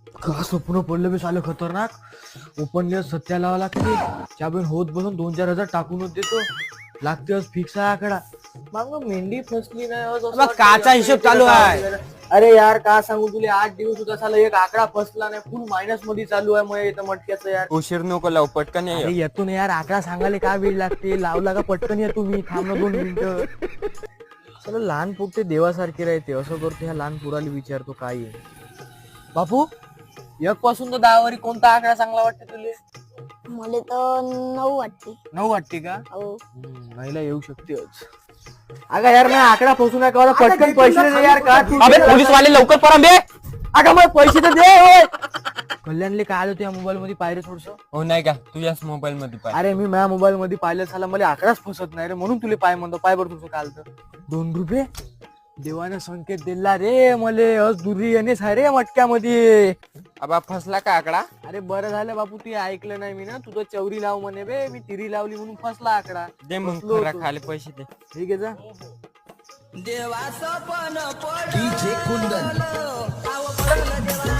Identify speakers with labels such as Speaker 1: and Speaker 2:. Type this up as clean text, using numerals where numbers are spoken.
Speaker 1: का स्वप्न पडलं बी सालं खतरनाक. ओपनली सत्या लावा लागते त्याबीन होत बसून 2-4 हजार टाकूनच देतो. लागते आज फिक्स आहे आकडा. मग मेंढी फसली नाही आज असं वाटतं
Speaker 2: काचा हिशोब चालू आहे.
Speaker 1: अरे यार का सांगू तुला 8 दिवस होता साला एक आकडा फसला नाही. फुल मायनस मध्ये चालू आहे मग इथं मटक्याचं यार.
Speaker 2: उशीर नको लावू पटकन ये.
Speaker 1: अरे येतो ना यार आकडा सांगायला काय वेळ लागते. लावला का पटकन येतो मी. थांब ना 2 मिनिटं. चला लहान पोटे देवासारखे राहते असं करतो. ह्या लहान पोराला विचारतो काय आहे. बापू 1 पासून तर 10 वरी कोणता आकडा चांगला वाटते तुले?
Speaker 3: मला तर 9 वाटते.
Speaker 1: 9 वाटते का?
Speaker 3: हो.
Speaker 1: महिला येऊ शकते आज. अगं यार मी आकडा फसू नका मला पटकन पैसे दे यार. का तू
Speaker 2: अबे पोलीस वाले लवकर पळा बे.
Speaker 1: अगं मग पैसे तर दे. होय कल्याणले काय आलं त्या मोबाईल मध्ये पाहिजे थोडस.
Speaker 2: हो नाही का तुझ्याच मोबाईल मध्ये पाय.
Speaker 1: अरे मी माझ्या मोबाईल मध्ये पाहिलं झाला मला आकडाच फसत नाही रे म्हणून तुला पाय म्हणतो. पाय बरं तुझं काल तर 2 रुपये देवाने संकेत दिला रे मले. आज दुरी येणेच आहे रे मटक्यामध्ये.
Speaker 2: आबा फसला का आकडा?
Speaker 1: अरे बरं झालं बापू ते ऐकलं नाही मी ना. तुझं चौरी लाव म्हणे बे. मी तिरी लावली म्हणून फसला आकडा.
Speaker 2: दे मग
Speaker 1: फसलो
Speaker 2: खरा
Speaker 1: होतो.
Speaker 2: खाली पैसे दे.
Speaker 1: ठीक आहे जा.
Speaker 4: देवाचं पण पडलं, DJ कुंदन